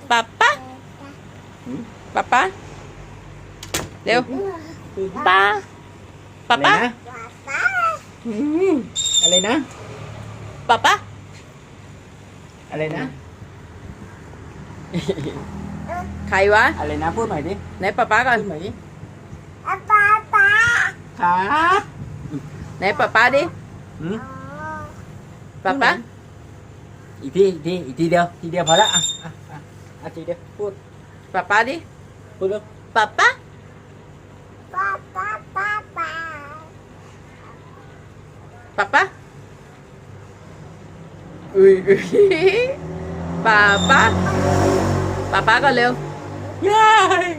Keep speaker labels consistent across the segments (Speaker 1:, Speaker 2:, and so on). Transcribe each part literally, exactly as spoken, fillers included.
Speaker 1: ป๊าป๊าป๊าป๊าเร็วป๊าป๊าป๊า
Speaker 2: อืมอะไรนะ
Speaker 1: ป๊าป๊า
Speaker 2: อะไรนะ
Speaker 1: ใครวะ
Speaker 2: อะไรนะพูดใหม่ดิ
Speaker 1: ไหนป๊าป๊าก่อน
Speaker 2: พูดใหม่ดิ
Speaker 3: ป๊าป๊าป๊า
Speaker 2: ครับ
Speaker 1: ไหนป๊าป๊าดิ
Speaker 2: อืม
Speaker 1: ป๊าป๊า
Speaker 2: อีกทีอีกทีอีกทีเดียวทีเดียวพอละอ่ะอ่ะอ่ะอ่ะทีเดียวพูด
Speaker 1: ป๊าป๊าดิ
Speaker 2: พูดเร็ว
Speaker 1: ป๊าป๊า
Speaker 3: ป๊าป๊าป๊าป๊า
Speaker 1: ป๊าป๊าอุ้ยอุ้ยป๊าป๊าป๊าป๊าก่อนเร็ว
Speaker 2: ยาย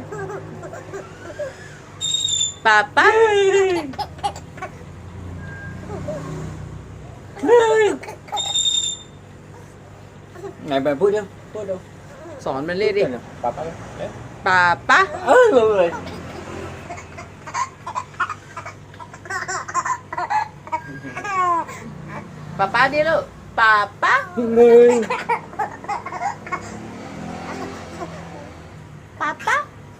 Speaker 1: ป๊าป๊า
Speaker 2: ไหนแบบพูดเร็วพูดเร็ว
Speaker 1: สอนมันเรียกดิ
Speaker 2: ป๊าป๊าเร็ว
Speaker 1: ป๊าป๊า
Speaker 2: เออเลย
Speaker 1: ป๊าป๊าดิลูกป๊าป๊า
Speaker 2: เลย
Speaker 1: ป๊าป๊า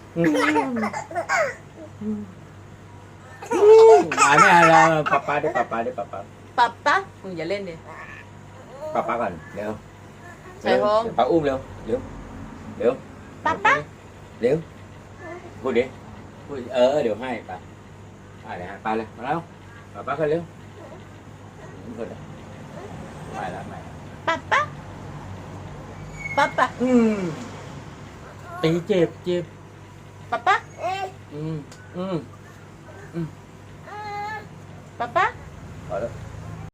Speaker 2: หายไม่เอาแล้วป๊าป๊าดิป๊าป๊าดิป๊าป๊า
Speaker 1: ป๊าป๊ามึงอย่าเล่นดิ
Speaker 2: ป๊าป๊าก่อนเร็ว
Speaker 1: ใส่โฮง
Speaker 2: เดี๋ยวป๊าอุ้มเร็วเร็วเร็ว
Speaker 1: ป๊าป๊า
Speaker 2: เร็วพูดดิพูดเออเดี๋ยวให้ป๊าไปเลยฮะไปเลยมาแล้วป๊าป๊าขึ้นเร็วขึ้นเลยไปแล้วไปแล้ว
Speaker 1: ป๊าป๊าป๊าป๊า
Speaker 2: อืมตีเจ็บเจ็บ
Speaker 1: ป๊าป๊า
Speaker 2: อืมอืม
Speaker 1: ป๊าป๊า
Speaker 2: พอแล้ว